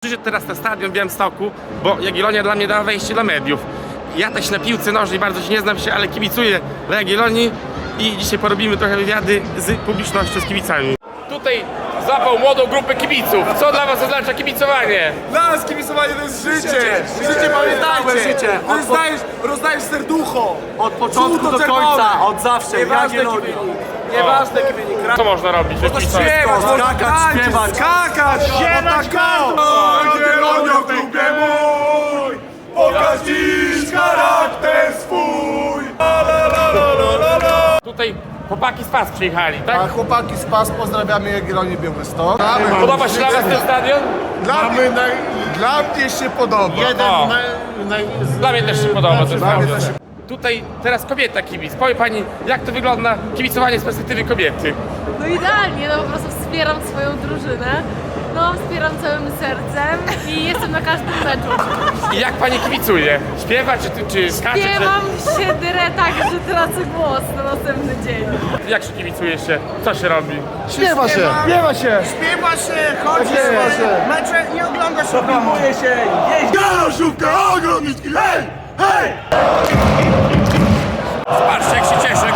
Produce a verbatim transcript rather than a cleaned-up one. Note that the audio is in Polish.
Przyszedł teraz na stadion w Białymstoku, bo Jagiellonia dla mnie dała wejście do mediów. Ja też na piłce nożnej bardzo się nie znam się, ale kibicuję dla Jagiellonii i dzisiaj porobimy trochę wywiady z publicznością, z kibicami. Tutaj złapał młodą grupę kibiców. Co dla was oznacza kibicowanie? Dla nas kibicowanie to jest życie! Życie, życie pamiętajcie! życie. Ty rozdajesz, rozdajesz serducho! Od początku do Żółto-czerwone. końca, od zawsze, Nieważne jaki Jagiellonia. wynik. Nieważne jaki wynik. Co można robić? Można śpiewać, można skakać, tańczyć, śpiewać. skakać! Śpiewać, Jagiellonia w klubie mój! Pokaż dziś charakter swój! Tutaj chłopaki z P A S przyjechali, tak? A chłopaki z P A S pozdrawiamy Jagiellonię Białystok. Podoba się dla was ten stadion? Dla mnie, dla mnie się podoba. Jeden O. naj, naj, z, Dla mnie też się podoba ten Dla mnie stadion. też się Tutaj teraz kobieta kibic. Powie pani, jak to wygląda kibicowanie z perspektywy kobiety? No idealnie, no po prostu wspieram swoją drużynę. No, wspieram całym sercem i jestem na każdym meczu. I jak pani kibicuje? Śpiewa czy, czy skacze? Śpiewam się dyrę tak, że tracę głos na następny dzień. Czy, jak się kibicuje się? Co się robi? Śpiewa się! Śpiewa się! Śpiewa się, chodzi Śpiewa się, się. mecze nie ogląda się, filmuje się, jeździ. Galoszówka, ogromnicki, hej, hej! Patrzcie jak się cieszę,